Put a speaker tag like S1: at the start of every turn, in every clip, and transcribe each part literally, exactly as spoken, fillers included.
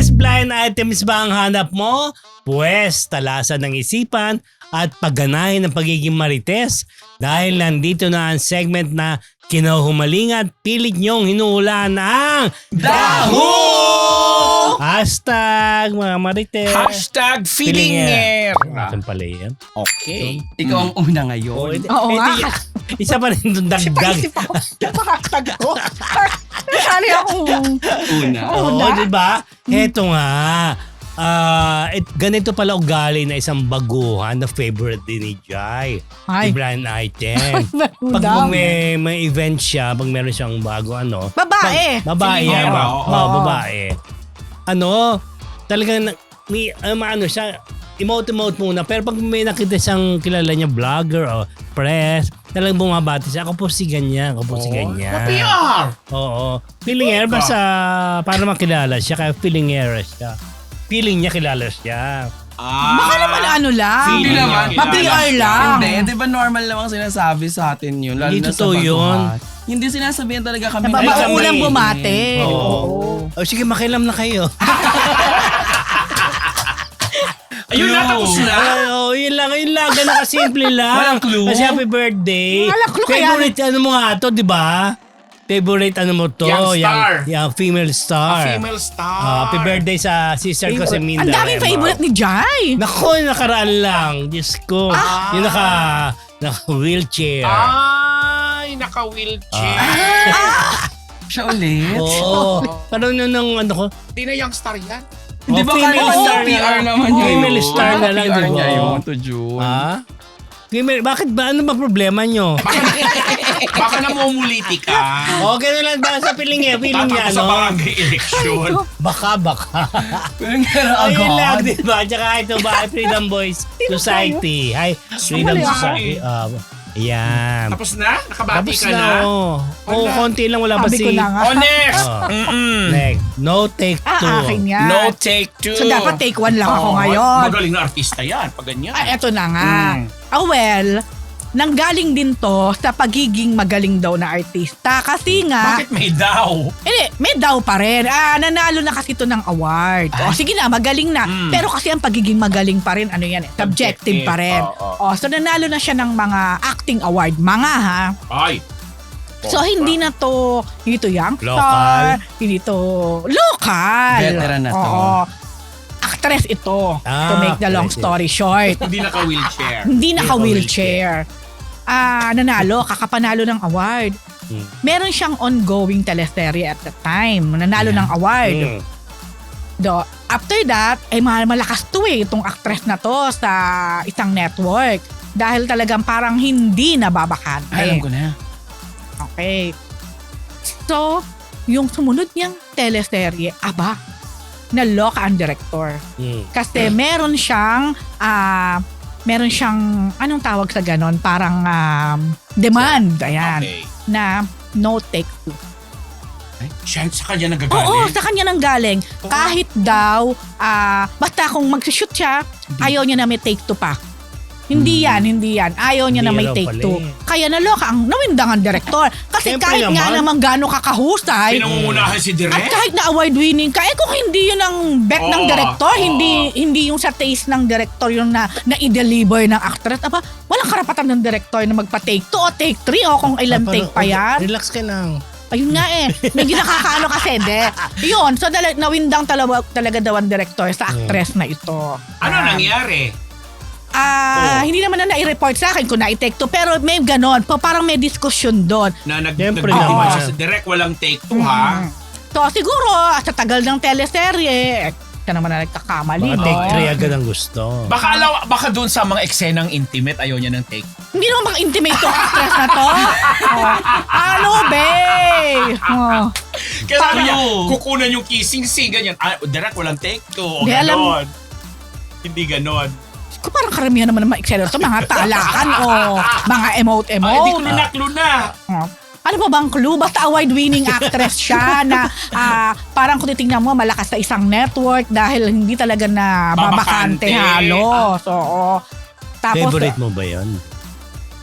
S1: Marites blind items ba ang hanap mo? Pwes, talasan ng isipan at pagganahin ng pagiging marites dahil nandito na ang segment na kinahumalingan at pilit niyong hinuhulaan ang Daho! Hashtag mga marites.
S2: Hashtag feelinger.
S1: Saan pala yan?
S2: Okay. Ikaw ang una ngayon.
S1: Oh, edi-
S3: Oo nga.
S1: edi- Isa pa rin itong dagdag.
S3: Paisip ako, makakatag ko. Nasali akong
S2: Una.
S1: Oo,
S3: Una?
S1: di ba? Heto nga. Ah, it, ganito pala ugali na isang baguhan na favorite din ni Jai.
S3: Ay.
S1: Yung brand item. Pag
S3: Dami.
S1: may, may event siya, pag meron siyang bago ano.
S3: Babae.
S1: Pag, babae
S2: Feeling
S1: yan.
S2: niya,
S1: Oo,
S2: oo.
S1: babae. Ano, talagang na- may, uh, maano siya, emote-emote muna. Pero pag may nakita siyang kilala niya, vlogger o press, talagang bumabati siya. Ako po si ganyan, ako po si ganyan.
S2: P R.
S1: Oo. Feeling air basta para makilala siya. Kaya feeling air siya. Feeling niya kilala siya.
S2: Ah.
S3: Baka naman ano lang.
S2: Hindi naman.
S3: Ma-P R lang.
S2: Hindi, di ba normal namang sinasabi sa atin yun? Lalo
S1: Hindi
S2: na sa
S1: totoo yun.
S2: baguhan. Hindi sinasabihan talaga kami.
S3: Na
S1: Ay, kami.
S3: unang bumate.
S1: Oo.
S3: Oo.
S1: O sige, makilam na kayo.
S2: Ayun na, tapos na.
S1: Ay, oh, yun lang, yun lang. Ganun kasimple lang.
S2: Walang clue?
S1: Kasi happy birthday.
S3: Walang clue kaya-
S1: Favorite ano mo nga to, di ba? Favorite ano mo to?
S2: Young star.
S1: Yung, yung female star.
S2: A female star.
S1: Ah, happy birthday sa sister ko si Minda.
S3: Ang daming
S1: Rema.
S3: favorite ni Jai.
S1: Naku, nakaraan lang. Diyos ko.
S2: Ah.
S1: Yung naka, naka wheelchair.
S4: Ay, naka-wheelchair.
S2: Siya ulit.
S1: Oo. Parang nung, nung ano ko.
S4: Di na young star yan.
S2: Di ba
S1: female
S2: kaya
S1: star
S2: P R
S1: na lang.
S2: naman yun?
S1: Female star na lang,
S2: P R
S1: di ba?
S2: niya yun to June.
S1: Ha? Female, bakit ba? Ano ba problema nyo?
S4: Baka namumuliti ka.
S1: Okay na lang ba sa feeling niya? Feeling niya,
S4: Tatapos sa
S1: no?
S4: barangay election.
S1: Baka, baka.
S2: Pero nga
S1: Ayun lang,
S2: agad.
S1: di ba? Tsaka ito ba, Freedom Boys Society. Hi, Freedom
S3: Sumali ako.
S1: Society. Uh, Ayan.
S4: Tapos na? Nakabati
S1: Tapos
S4: ka
S1: na,
S4: na?
S1: oh. Oh,
S4: Wala.
S1: konti lang, wala pa
S3: Sabi
S1: si...
S3: ko na nga.
S4: Oh, next!
S1: Oh.
S4: Mm-mm.
S1: Next. No take two.
S3: Ah, akin yan.
S4: No take two.
S3: So dapat take one lang ako
S4: Oo,
S3: ngayon.
S4: Magaling na artista yan. Pag ganyan.
S3: Ah, eto na nga.
S4: Mm.
S3: Ah, well, nanggaling din to sa pagiging magaling daw na artista. Kasi nga,
S4: Bakit may daw?
S3: hindi, may daw pa rin. Ah, nanalo na kasi to ng award. O, sige na, magaling na.
S4: Mm.
S3: Pero kasi ang pagiging magaling pa rin, ano yan, eh, subjective
S4: Subjective,
S3: pa rin.
S4: oo.
S3: O, so nanalo na siya ng mga acting award. Mga ha.
S4: Ay.
S3: So hindi na to, hindi to young
S1: Local.
S3: star, hindi to local.
S2: Veteran na to.
S3: Oo. Actress ito, to
S1: Ah,
S3: make the long
S1: actress.
S3: story short.
S4: Hindi naka-wheelchair.
S3: Hindi naka-wheelchair. Ah, nanalo, kakapanalo ng award.
S1: Hmm.
S3: Meron siyang ongoing teleserye at the time. Nanalo ng award.
S1: Mm.
S3: Do, after that, ay mal- malakas to eh, itong actress na to sa isang network. Dahil talagang parang hindi nababakante.
S2: Ay, alam ko na.
S3: Okay. So, yung sumunod niyang teleserye, aba, naloka ang director.
S1: Mm.
S3: Kasi meron siyang, ah, meron siyang, anong tawag sa ganon? Parang um, demand, ayan,
S4: Okay.
S3: na no take two.
S4: Siya, sa kanya
S3: Oo,
S4: nagagaling.
S3: sa kanya nang galing. Kahit daw, ah, basta kung mag-shoot siya, ayaw niya na may take two pa. Hindi yan, hindi yan. Ayaw niya
S1: Hindi
S3: na may
S1: raw
S3: take
S1: pala
S3: two.
S1: eh.
S3: Kaya naloka ang nawindang ang director. Kasi
S1: Siyempre
S3: kahit nga
S1: naman.
S3: naman gano'ng kakahusay,
S4: Pinangungunahan si
S3: at
S4: Direk.
S3: kahit na award winning ka, eh kung hindi yun ang bet ng
S4: Oo,
S3: director,
S4: oo.
S3: hindi hindi yung sa taste ng director yung na, na-deliver ng actress, aba, walang karapatan ng director na magpa-take two o take three o kung ilang
S1: Ah,
S3: take
S1: parang,
S3: pa yan.
S1: Relax ka lang.
S3: Ayun nga eh. Medyo nakakaano kasi, de. Yun, so dala, nawindang talaga, talaga daw ang director sa actress na ito.
S4: Ano
S3: Ah,
S4: nangyari?
S3: Ah,
S4: Oh.
S3: hindi naman na nai-report sa akin kung na-take two, pero may ganon. Pa- Parang may diskusyon doon.
S4: Na nag
S1: Siyempre
S4: nagdidiman
S1: naman.
S4: siya sa Direk, walang take two ha?
S3: Mm. So siguro, sa tagal ng teleserye, siya naman na nagkakamali,
S1: Baka
S3: no?
S1: take three agad ang gusto.
S4: Baka alaw, baka doon sa mga eksenang intimate, ayaw niya ng take.
S3: Hindi naman bang intimate tong actress na to? Oh. Ano, be? Oh.
S4: Kaya sabi niya,
S2: Paano?
S4: kukunan yung kissing scene, ganyan. Ah, Direk, walang take two. O
S3: Di, alam-
S4: ganon. Hindi ganon.
S3: Kung parang karamihan naman ng mga eksena to, mga talakan o mga
S4: Ah, hindi
S3: emote-emote.
S4: kluna-kluna.
S3: Oh. Ano ba bang clue? Basta award-winning actress siya na ah, parang kung titingnan mo, malakas sa isang network dahil hindi talaga na babakante
S4: Babakante.
S3: halos. Oo. Tapos,
S1: Favorite mo ba yun?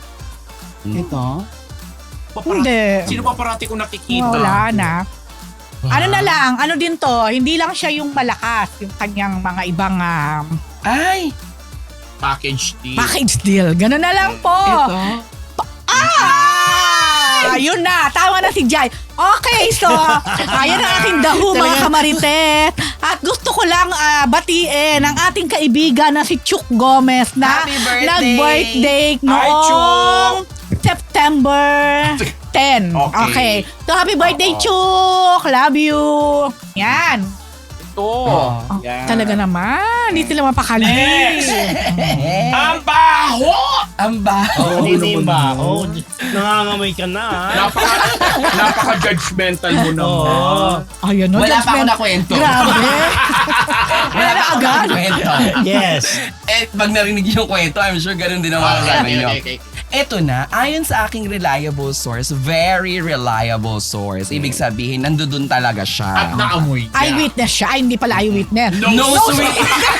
S2: Ito?
S4: Papara-
S3: hindi.
S4: Sino pa parati kong nakikita?
S3: Wala na. Ano na lang, ano din to, hindi lang siya yung malakas, yung kanyang mga ibang um,
S4: Ay!
S5: Package deal.
S3: package deal. Ganun na lang po.
S4: Ito.
S3: Ah! Ayun na, tama na si Jai. Okay, so, ayan ang aking dahu mga kamarites. At gusto ko lang ah, batiin ang ating kaibigan na si Chuk Gomez na
S4: Happy birthday!
S3: nag-birthday
S5: Hi,
S3: noong September ten.
S5: Okay.
S3: Okay. So, happy birthday,
S5: Oo.
S3: Chuk! Love you! Yan.
S5: Ito.
S3: Oh,
S5: Yan.
S3: talaga naman. Hindi sila mapakali.
S5: Next! Ang baho!
S4: Ang baho.
S1: Oh, hindi ba? Oh, nangangamoy ka na. ah.
S5: Napaka, napaka-judgmental mo naman.
S1: Oo.
S3: Ayun, no?
S4: Wala pa ako
S3: judgment.
S4: nakwento.
S3: Grabe.
S4: Wala pa ako
S3: agad?
S4: nakwento.
S1: Yes.
S4: Eh, pag narinig yung kwento, I'm sure ganun din ang mga
S5: Okay,
S4: sabi nyo.
S5: okay, okay.
S4: Ito na, ayon sa aking reliable source, very reliable source. Ibig sabihin, nandoon talaga
S5: At
S4: siya.
S5: naamoy niya.
S3: Eyewitness siya. Ay, hindi pala eyewitness.
S5: No,
S4: No
S5: sweet.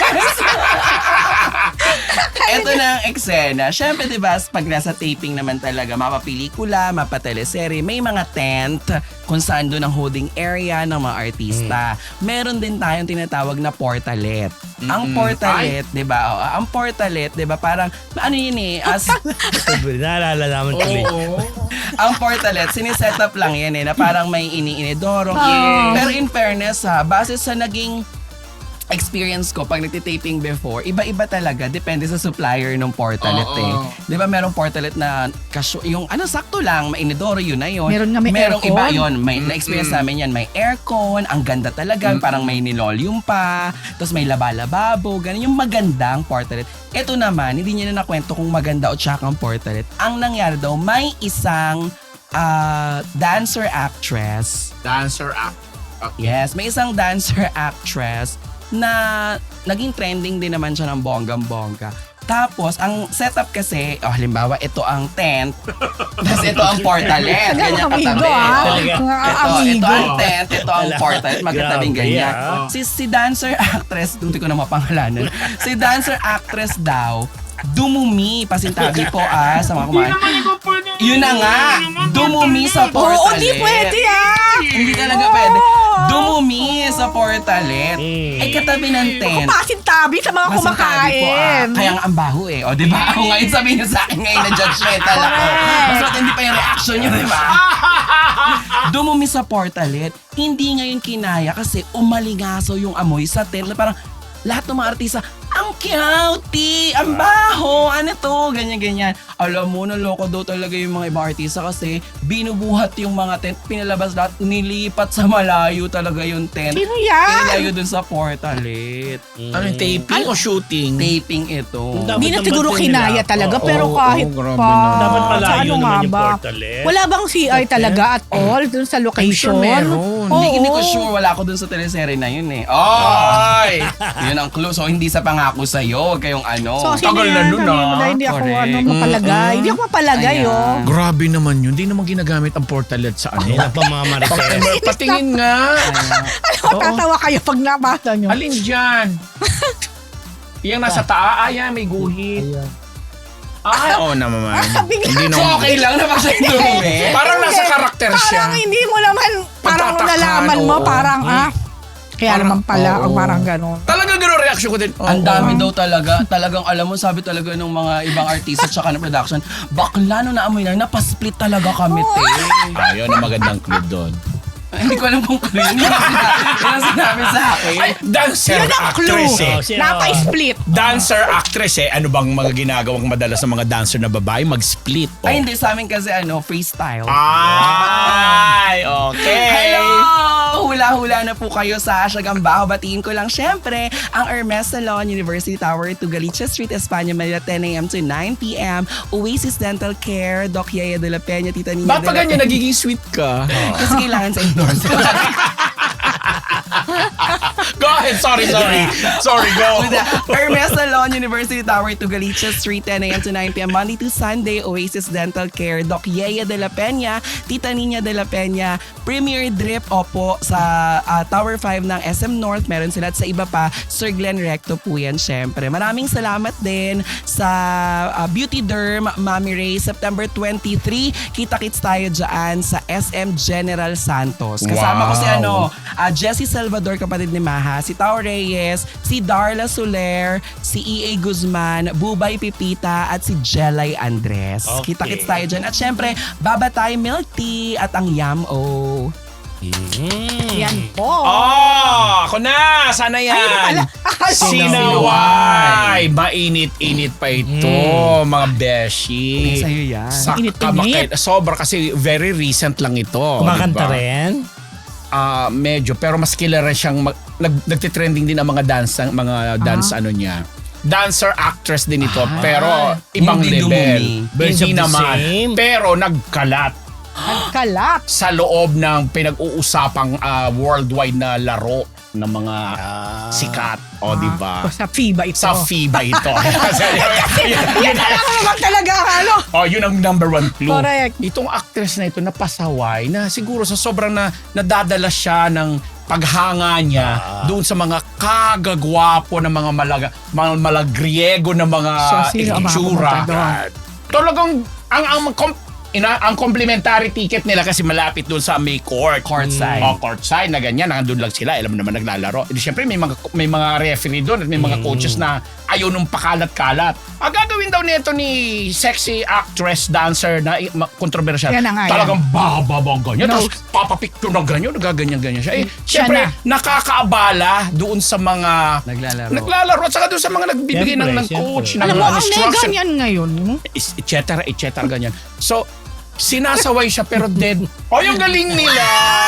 S4: Ito na ang eksena. Siyempre, di ba, pag nasa taping naman talaga, mapapelikula, mapateleserye, may mga tent kung saan doon ang holding area ng mga artista. Meron din tayong tinatawag na portalet. Ang
S5: Mm-mm.
S4: portalet, di ba, oh, ang portalet, di ba, parang, ano yun eh, as,
S1: Naalala naman tuloy.
S5: Oo.
S4: ang portalet, siniset up lang yan eh, na parang may ini-inidoro.
S3: Oh.
S4: Pero in fairness ha, base sa naging experience ko pag nagtitaping before, iba-iba talaga. Depende sa supplier ng portalet
S5: Oo.
S4: eh. Di ba merong portalet na kasyo, yung ano sakto lang, mainidoro yun na yun.
S3: Meron nga may
S4: Merong
S3: aircon.
S4: iba yun. May, na-experience namin yan. May aircon, ang ganda talaga. Parang may nilolium pa. Tapos may laba-lababo. Ganun yung magandang portalet. Ito naman, hindi niya na nakwento kung maganda o tsaka ang portalet. Ang nangyari daw, may isang ah, dancer actress.
S5: Dancer act. Okay.
S4: Yes, may isang dancer actress na naging trending din naman siya ng bonggang-bongga. Tapos, ang setup kasi, oh, halimbawa, ito ang tent, tapos ito ang portalet, ganyan
S3: Amigo,
S4: katabi.
S3: ah.
S1: Talaga.
S3: Mga
S4: Ito, ito
S3: amigo.
S4: ang tent, ito ang
S1: Wala.
S4: portalet, magkatabing
S1: Grabe,
S4: ganyan.
S1: ah.
S4: Si, si dancer actress, hindi ko na mapangalanan, si dancer actress daw, dumumi, pasintabi po ah, sa mga kumain. Yun na nga, dumumi sa
S3: Oo,
S4: portalet.
S3: di pwede ah!
S4: Hindi talaga pwede. Dumumi sa portalet.
S1: Mm.
S4: Ay katabi ng tent.
S3: Kumasin tabi sa mga
S4: Masintabi po, ah.
S3: kumakain.
S4: Kaya nga ang baho eh. O, di ba? Ako ngayon sabihin niyo sa akin ngayon na judgmental ako.
S3: Correct.
S4: Mas matindi pa yung reaction niyo, di ba? Dumumi sa portalet. Hindi ngayon kinaya kasi umalingaso yung amoy sa tent. Na parang lahat ng mga artista, ang cute, ang baho, ano to, ganyan-ganyan. Alam mo, naloko daw talaga yung mga ibang artista kasi binubuhat yung mga tent, pinalabas lahat, nilipat sa malayo talaga yung tent.
S3: Sino yan?
S4: Ilayo dun sa portalet.
S5: Ano yung taping o shooting?
S4: Taping ito.
S1: Dapat
S3: Hindi na
S1: naman
S3: siguro
S1: din
S3: kinaya
S1: nila.
S3: talaga,
S5: Oo,
S3: pero
S5: oo,
S3: kahit
S5: grabe
S3: pa.
S5: na.
S1: Dapat
S3: Sa
S1: malayo
S3: ano
S1: naman
S3: nga
S1: yung
S3: ba?
S1: portalet.
S3: Wala bang C I talaga at all dun sa location?
S5: I'm sure meron.
S3: Oo.
S4: Hindi, hindi ko sure, wala ako dun sa teleserye na yun eh. Oy! Yun ang clue. So, hindi sa pangako sa'yo. Huwag kayong ano.
S3: So, sino
S5: Tagal na
S3: yan?
S5: nun,
S3: Sabihin mo
S5: ah.
S3: na hindi ako
S4: Correct.
S3: ano, mapalagay. Hindi ako mapalagay,
S4: Ayan.
S3: oh.
S5: Grabe naman yun. Hindi naman ginagamit ang portalet sa ano.
S1: Ayun ang pamamarites.
S5: Patingin nga.
S3: Alam mo, tatawa kayo pag nabasa nyo.
S5: Alin dyan? Yung nasa taa, ayan, may guhit. Ay, oo naman.
S3: Bigla.
S5: Hindi
S4: So,
S5: naman.
S4: okay lang na basta yung dumi.
S5: Parang nasa
S3: Hindi.
S5: karakter siya.
S3: Parang hindi mo naman, parang
S5: Pagtatakan,
S3: nalaman mo,
S5: oo.
S3: parang ah. Kaya
S5: Parang,
S3: naman pala,
S5: oo.
S3: ang parang gano'n.
S5: Talaga gano'n reaction ko din.
S4: Ang dami daw talaga. Talagang alam mo, sabi talaga ng mga ibang artista tsaka ng production, bakla no naamoy na, napasplit talaga kami, te.
S5: Ayun ang magandang clue doon.
S4: Hindi ko alam kung clue yun. Yun ang sinabi, yun ang sinabi sa akin.
S5: Ay, dancer
S3: Yun ang
S5: actress
S3: clue.
S5: eh.
S1: Oh, sino?
S3: Napa-split.
S5: Dancer actress eh. Ano bang mga ginagawang madalas ng mga dancer na babae? Mag-split. Oh.
S4: Ay, hindi. Sa amin kasi ano, freestyle.
S5: Ay, okay.
S4: Hello! Hula-hula na po kayo sa Asyagambaho. Batiin ko lang syempre ang Hermes Salon, University Tower to Galicia Street, Espanya, Manila, ten a.m. to nine p.m. Oasis Dental Care, Doc Yaya de la Peña, Tita Nina
S5: Ba't
S4: de
S5: pa
S4: la
S5: ganyan nagiging sweet ka?
S4: Kasi kailangan sa endorse.
S5: Go ahead. Sorry, sorry. Sorry, go.
S4: With the Hermes Salon, University Tower to Galicia Street, ten a.m. to nine p.m. Monday to Sunday, Oasis Dental Care, Doc Yaya de la Peña, Tita Nina de la Peña, Premier Drip, opo, sa ah, Tower five ng S M North, meron sila at sa iba pa, Sir Glenn Recto po yan, syempre. Maraming salamat din sa ah, Beauty Derm, Mami Ray, September twenty-three, kita-kits tayo dyan sa S M General Santos. Kasama ko si
S5: Wow.
S4: ano, ah, Jessie Salvador, kapatid ni Maha, si Tao Reyes, si Darla Soler, si E A Guzman, Bubay Pipita, at si Jelay Andres.
S1: Okay.
S4: Kita-kits tayo dyan. At syempre, Babatay Milk Tea at ang Yam-O.
S1: Mm.
S3: Yan po.
S5: Oh, ako na. Sana yan.
S3: Ayun pala.
S5: Sinaway. Mainit-init pa ito, mga beshi.
S4: Sa'yo yan.
S5: Sa
S3: Init-init.
S5: kamakit. Sobra kasi very recent lang ito.
S1: Kumakanta
S5: diba?
S1: rin?
S5: Ah, medyo. Pero mas kilala siyang, mag, nag, nagtitrending din ang mga dance, ang mga dance ano niya. Dancer, actress din ito.
S4: Ah,
S5: pero ibang
S4: hindi
S5: level.
S4: dumumi.
S1: Birds
S5: Hindi
S1: of the
S5: naman.
S1: same.
S5: Pero nagkalat
S3: Kalat.
S5: sa loob ng pinag-uusapang ah, worldwide na laro ng mga sikat. O, di ba?
S3: O, sa FIBA ito.
S5: Sa FIBA ito.
S3: Yan na lang naman talaga ang ano.
S5: Oh, yun ang number one clue.
S3: Correct.
S5: Itong actress na ito napasaway na siguro sa sobrang na nadadala siya ng paghanga niya doon sa mga kagagwapo ng mga malaga, mga malagriego na mga
S3: So, sino ang mga
S5: itsura.
S3: pumunta doon?
S5: Talagang ang ang kom- ina, ang complimentary ticket nila kasi malapit doon sa may court.
S4: Courtside.
S5: O, courtside na ganyan, nandun lang sila, alam mo naman naglalaro. E di syempre may mga may mga referee doon at may mga coaches na ayaw nung pakalat-kalat. Ang gagawin daw nito ni sexy actress dancer na i- ma- controversial.
S3: Yan na nga, yan.
S5: Talagang bababang ganyan.
S3: No.
S5: Tapos papapicture na ganyan, nagaganyan-ganyan siya. Eh,
S3: Siya
S5: syempre,
S3: na.
S5: nakakaabala doon sa mga
S4: Naglalaro.
S5: naglalaro at saka doon sa mga nagbibigay ng,
S1: Siyempre,
S5: ng coach,
S1: siyempre.
S5: ng
S3: Alam mo,
S5: mga
S3: ang
S5: instruction
S3: mega niyan ngayon.
S5: is- et cetera, et cetera, ganyan. So, sinasaway siya pero dead. O, yung galing nila!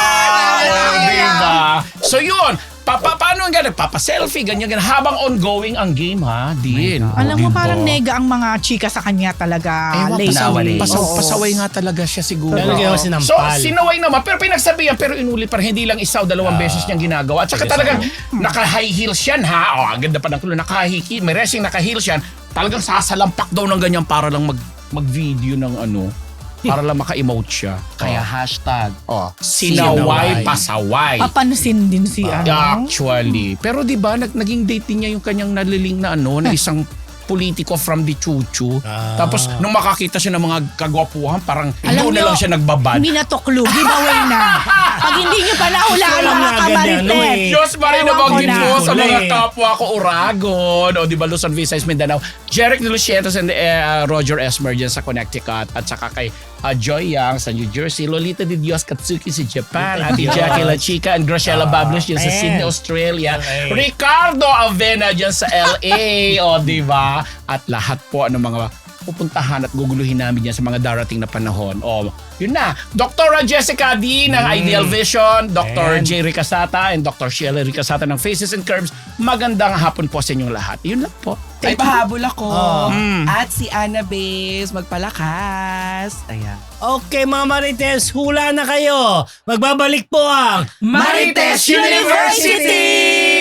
S5: Oh, diba? So, yun. Pa, pa, paano ang ganun? Papa-selfie, ganyan, ganyan. Habang ongoing ang game, ha? Din. O,
S3: Alam mo,
S5: diba?
S3: parang nega ang mga chika sa kanya talaga.
S5: Ewan,
S3: lately.
S5: pasaway,
S4: Oo.
S5: pasaw, pasaway nga talaga siya siguro.
S1: Talaga
S5: Oo.
S1: ako sinampal.
S5: So, sinaway naman. Pero pinagsabihan, pero inulit pa rin. Hindi lang isa o dalawang beses niyang ginagawa. At saka talagang naka-high heels yan, ha? O, ang ganda pa ng tulo. Naka-high heels. May racing naka-heels yan. Talagang sasalampak daw ng ganyan para lang mag, mag-video ng ano. Para lang maka-emote siya.
S4: Kaya hashtag.
S5: Oh, sinaway,
S1: Sinaway.
S5: pasaway.
S3: Papansin din si ano.
S5: Actually. Pero di ba nag, naging date din niya yung kanyang naliling na ano, na isang politiko from the Chuchu.
S1: Ah.
S5: Tapos nung makakita siya ng mga kagwapuhan, parang
S3: Alam
S5: doon na
S3: niyo,
S5: lang siya nagbabad.
S3: Hindi na to clue. Giveaway na. Pag hindi nyo pa nahulaan
S1: Alam
S3: mga
S1: na agad yan,
S3: kamarites.
S1: Louie.
S5: Diyos pa rin
S3: Ewan ko
S5: nabanggit
S3: na.
S5: mo sa mga
S1: Uli.
S5: kapwa ko Uragon. O di ba Luzon, Visayas, Mindanao. Jeric de Lucientos and uh, Roger Esmer dyan sa Connecticut. At saka kay uh, Joy Yang sa New Jersey. Lolita de Dios Katsuki sa Japan. Ate Jackie La Chica and Graciela Bablos dyan sa
S1: ayan.
S5: Sydney, Australia.
S1: Okay.
S5: Ricardo Avena dyan sa L A. O di ba? At lahat po ng mga pupuntahan at guguluhin namin yan sa mga darating na panahon. O, yun na. Doktora Jessica D ng Ideal Vision, Doctor
S1: Ayan.
S5: J. Ricasata and Doctor Sheila Ricasata ng Faces and Curves. Magandang hapon po sa inyong lahat. Yun lang po.
S4: Ay, pahabol ako.
S5: Mm.
S4: At si Anna Bays, magpalakas. Ayan.
S1: Okay mga Marites, hula na kayo. Magbabalik po ang
S5: Marites University!